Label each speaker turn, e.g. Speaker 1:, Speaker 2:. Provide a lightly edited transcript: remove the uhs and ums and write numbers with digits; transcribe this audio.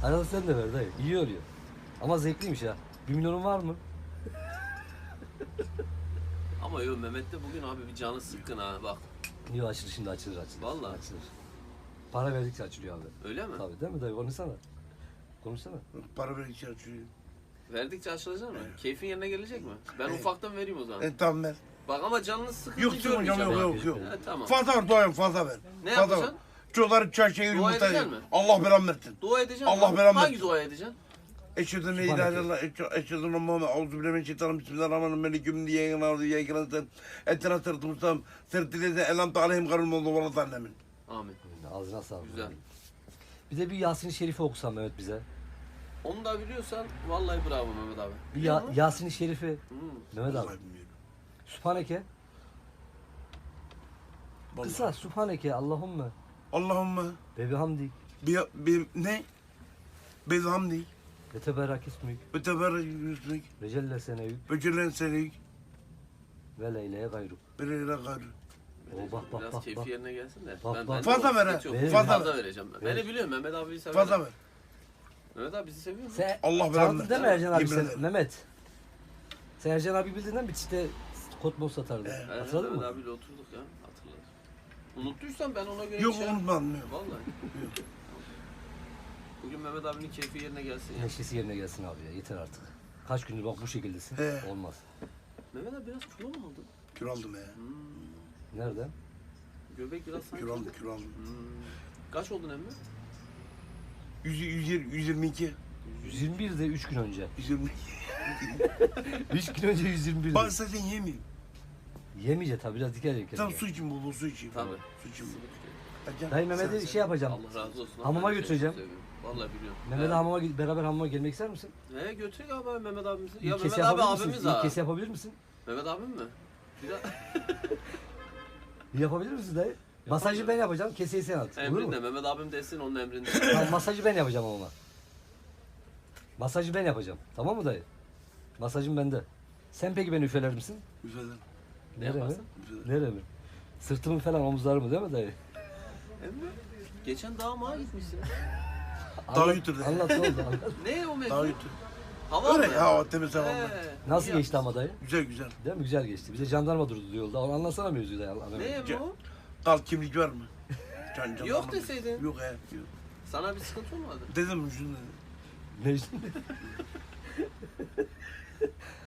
Speaker 1: Arada sen de ver dayı. İyi oluyor. Ama zevkliymiş ya. 1 milyonun var mı?
Speaker 2: Ama yo Mehmet de bugün abi bir canı sıkkın ha bak.
Speaker 1: Yok açılır şimdi açılır.
Speaker 2: Vallahi.
Speaker 1: Açılır. Para verdikçe açılıyor abi.
Speaker 2: Öyle mi?
Speaker 1: Tabii değil mi dayı? Konuşsana. Konuşsana.
Speaker 3: Para verirken açıyor.
Speaker 2: Verdikçe açılacak mı? Keyfin yerine gelecek mi? Ben ufaktan vereyim o zaman.
Speaker 3: Tamam ver.
Speaker 2: Bak ama canınız sıkıntı
Speaker 3: Yok hocam yok.
Speaker 2: Tamam.
Speaker 3: Fazla ver doğayım fazla ver.
Speaker 2: Ne
Speaker 3: Fazla
Speaker 2: yapacaksın?
Speaker 3: ver. Çocukları çarşıya
Speaker 2: Dua
Speaker 3: yumurta
Speaker 2: edeceksin mi?
Speaker 3: Allah belamı versin.
Speaker 2: Dua edeceksin.
Speaker 3: Allah
Speaker 2: mi?
Speaker 3: belanı
Speaker 2: Hangi
Speaker 3: versin.
Speaker 2: dua edeceksin?
Speaker 3: Eşhedü en la ilahe illallah. Eşhedü enne Muhammed. Euzubillahimineşşeytanirracim. Bismillahirrahmanirrahim. Diye yayınlar diye yayınlar. Ettina sırtı mustam. Sırtı elam aleyhim garul oldu valla zannemin.
Speaker 2: Amin.
Speaker 1: Ağzına sağlık.
Speaker 2: Güzel.
Speaker 1: Bir de bir Yasin-i Şerif'i okusan Mehmet bize.
Speaker 2: Onu da biliyorsan vallahi bravo Mehmet abi.
Speaker 1: Bir
Speaker 2: Biliyor musun?
Speaker 1: Yasin-i Şerif'i. Mehmet abi.
Speaker 3: Vallahi bilmiyorum.
Speaker 1: Sübhaneke.
Speaker 3: Vallahi.
Speaker 1: Kısa Sübhaneke Allahümme.
Speaker 3: Allahümme.
Speaker 1: Ve bihamdik.
Speaker 3: Ne? Bezhamdi.
Speaker 1: Ve teberrak ismük.
Speaker 3: Ve teberrek yüzlük.
Speaker 1: Ve celle senevük.
Speaker 3: Ve cellen selik.
Speaker 1: Ve leyleye gayruk.
Speaker 3: Ve leyle gayrı.
Speaker 1: O bak bak
Speaker 2: Biraz
Speaker 1: bak
Speaker 2: keyfi
Speaker 1: bak.
Speaker 2: yerine gelsin de.
Speaker 1: Bak, bak.
Speaker 3: Fazla ver ha.
Speaker 2: Sıkıntı yok.
Speaker 1: Verir,
Speaker 2: Fazla
Speaker 3: ver.
Speaker 2: vereceğim ben.
Speaker 1: Verir.
Speaker 2: Beni biliyorum Mehmet abiyi severim.
Speaker 3: Fazla ver.
Speaker 2: Mehmet abi bizi seviyor mu?
Speaker 1: Sen
Speaker 3: Allah belanı
Speaker 1: tanıdın
Speaker 3: versin.
Speaker 1: değil mi Ercan abi
Speaker 3: Yemin
Speaker 1: sen?
Speaker 3: ederim.
Speaker 1: Mehmet. Sen Ercan abi bildiğinden bir çifte kotmos satardı. Hatırladın
Speaker 2: Mehmet
Speaker 1: mı?
Speaker 2: abiyle oturduk ya. Hatırladım. Unuttuysan ben ona göre
Speaker 3: Yok
Speaker 2: şey
Speaker 3: unutmadım. Yok.
Speaker 2: Vallahi. Bugün Mehmet abinin keyfi yerine gelsin ya.
Speaker 1: Neşesi yerine gelsin abi ya yeter artık. Kaç gündür bak bu şekildesin.
Speaker 3: He.
Speaker 1: Olmaz.
Speaker 2: Mehmet abi biraz kilo mu aldın?
Speaker 3: Kür aldım ya.
Speaker 1: Nereden?
Speaker 2: Göbek biraz sanki.
Speaker 3: Kür aldım, kür aldım.
Speaker 2: Kaç oldun emmi?
Speaker 3: 122.
Speaker 1: 121'de 3 gün önce.
Speaker 3: 122.
Speaker 1: 3 gün önce 121'de.
Speaker 3: Bak zaten yemeyeyim.
Speaker 1: Yemeyecek tabi biraz dikkat edecek.
Speaker 3: Tam su için bol su için.
Speaker 2: Tabii.
Speaker 3: Su için bol. Ercan,
Speaker 1: Dayı Mehmet'e
Speaker 3: sen-
Speaker 1: şey yapacağım.
Speaker 2: Allah razı olsun.
Speaker 1: Hamama
Speaker 2: Ben de
Speaker 1: götüreceğim.
Speaker 2: seni seviyorum. Vallahi biliyorum.
Speaker 1: Mehmet'e hamama beraber hamama gelmek ister misin?
Speaker 2: He götür abi Mehmet abimizi.
Speaker 1: İlk
Speaker 2: Ya
Speaker 1: kez
Speaker 2: Mehmet abi
Speaker 1: yapabilir misin?
Speaker 2: abimiz
Speaker 1: İlk
Speaker 2: ha.
Speaker 1: kez yapabilir misin?
Speaker 2: Mehmet abim mi? Bir daha.
Speaker 1: Yapabilir misin dayı? Masajı ben yapacağım, keseyi sen at. Olur mu?
Speaker 2: Emrinde Mehmet abim desin onun emrinde.
Speaker 1: Tamam, masajı ben yapacağım ama. Masajı ben yapacağım. Tamam mı dayı? Masajım bende. Sen peki beni üfeler misin?
Speaker 3: Güzel.
Speaker 2: Ne
Speaker 1: Nereye mi?
Speaker 2: yaparsın?
Speaker 3: Güzel.
Speaker 1: Nereye mi? Sırtımı falan omuzlarımı değil mi dayı?
Speaker 2: Emmi. Geçen dağa mağa gitmişsin.
Speaker 3: Daha götürdü.
Speaker 1: Anlat ne oldu anlat.
Speaker 2: Ne o
Speaker 3: Daha
Speaker 2: mevzu?
Speaker 3: götür.
Speaker 2: Hava
Speaker 3: Öyle
Speaker 2: mı?
Speaker 3: ya temiz hava.
Speaker 2: He.
Speaker 1: Nasıl
Speaker 2: İyi
Speaker 1: geçti ama dayı?
Speaker 3: Güzel güzel.
Speaker 1: Değil mi? Güzel geçti. Bir de jandarma durdu yolda. Onu anlatsana mevzuyu dayı.
Speaker 2: Ne emmi o?
Speaker 3: Kal kimlik var mı? Can
Speaker 2: Yok
Speaker 3: zaman-
Speaker 2: deseydin.
Speaker 3: Yok he. Yok.
Speaker 2: Sana bir sıkıntı olmadı.
Speaker 3: Dedim şunu dedim.
Speaker 1: Ne işte?